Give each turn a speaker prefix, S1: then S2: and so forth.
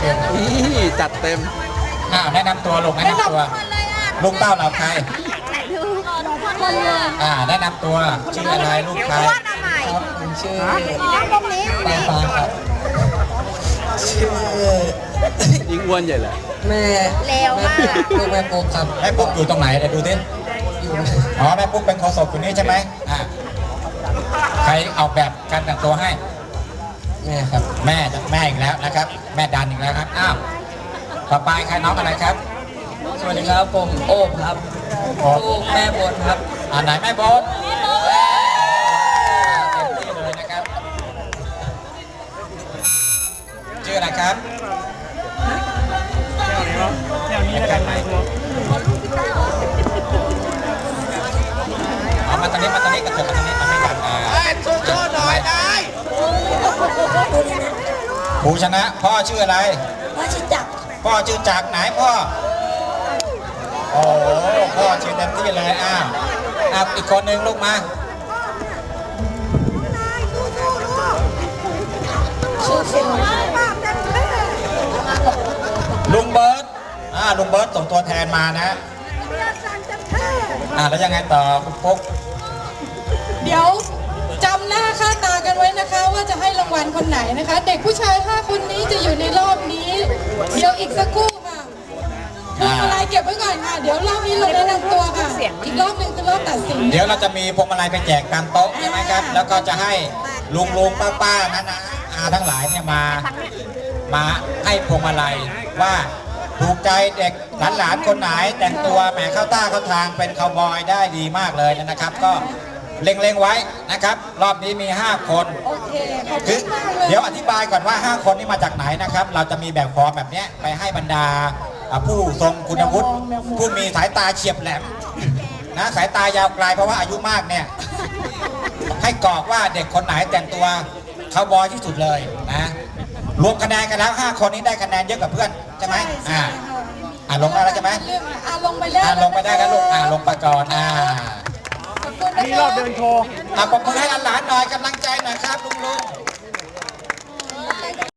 S1: นี่จัดเต็ม
S2: แนะนำตัวลูกแนะนำตัวลูกเต้าเหล่าใครแนะนำตัวชื่ออะไรลูกใคร
S3: ครับผมชื่อปาปาครับชื่อ
S1: ยิงอ้วนใหญ่เลย
S3: แม่เลวมากลูกแม่ปุ๊กครับ
S2: แม่ปุ๊กอยู่ตรงไหนเดี๋ยวดูดิแม่ปุ๊กเป็นโฆษกอยู่นี่ใช่ไหมใครออกแบบการแต่งตัวให้
S3: แม่ครับ
S2: แม่อีกแล้วนะครับแม่ดันอีกแล้วครับต่อไปใครน้องอะไรครับ
S3: สวัสดีครับผมโอ๊บครับลูกแม่บดครับ
S2: ไหนแม่บดเต็มที่เลยนะครับชื่ออะไรครับมาตอนนี้กระเถิบมาตอนนี้มาไม่กันโชว์หน่อยได้ผู้ชนะพ่อชื่ออะไร
S3: พ่อชื่อจักร
S2: ไหนพ่อโอ้พ่อชื่อเต็มที่เลยอีกคนหนึ่งลูกมาลุงเบิร์ตลุงเบิร์ตส่งตัวแทนมานะแล้วยังไงต่อคุณปุ๊ก
S4: เดี๋ยวจำหน้าค่าตากันไว้นะคะว่าจะให้รางวัลคนไหนนะคะเด็กผู้ชาย5คนนี้จะอยู่ในรอบนี้เดี๋ยวอีกสักครู่ค่ะพวงมาลัยเก็บไว้ก่อนค่ะเดี๋ยวรอบนี้เราแนะนำตัวค่ะอีกรอบหนึ่งคือรอบตัดสิน
S2: เดี๋ยวเราจะมีพวงมาลัยไปแจกตามโต๊ะใช่ไหมครับแล้วก็จะให้ลุงป้านะทั้งหลายเนี่ยมาให้พวงมาลัยว่าถูกใจเด็กหลานคนไหนแต่งตัวแหมเข้าท่าเข้าทางเป็นคาวบอยได้ดีมากเลยนะครับก็เล็งไว้นะครับรอบนี้มี5คนคือเดี๋ยวอธิบายก่อนว่า5คนนี้มาจากไหนนะครับเราจะมีแบบฟอร์มแบบนี้ไปให้บรรดาผู้ทรงคุณวุฒิผู้มีสายตาเฉียบแหลมนะสายตายาวไกลเพราะว่าอายุมากเนี่ยให้กรอกว่าเด็กคนไหนแต่งตัวคาวบอยที่สุดเลยนะรวมคะแนนกันแล้ว5คนนี้ได้คะแนนเยอะกว่าเพื่อนใช่ไหมลงได้แล้วใช่ไหม
S4: ลงไปได้
S2: กันลูกลงไปก่อน
S1: นี่รอบเดินโชว์
S2: ปรบมือให้หลานๆหน่อยกำลังใจหน่อยครับลุง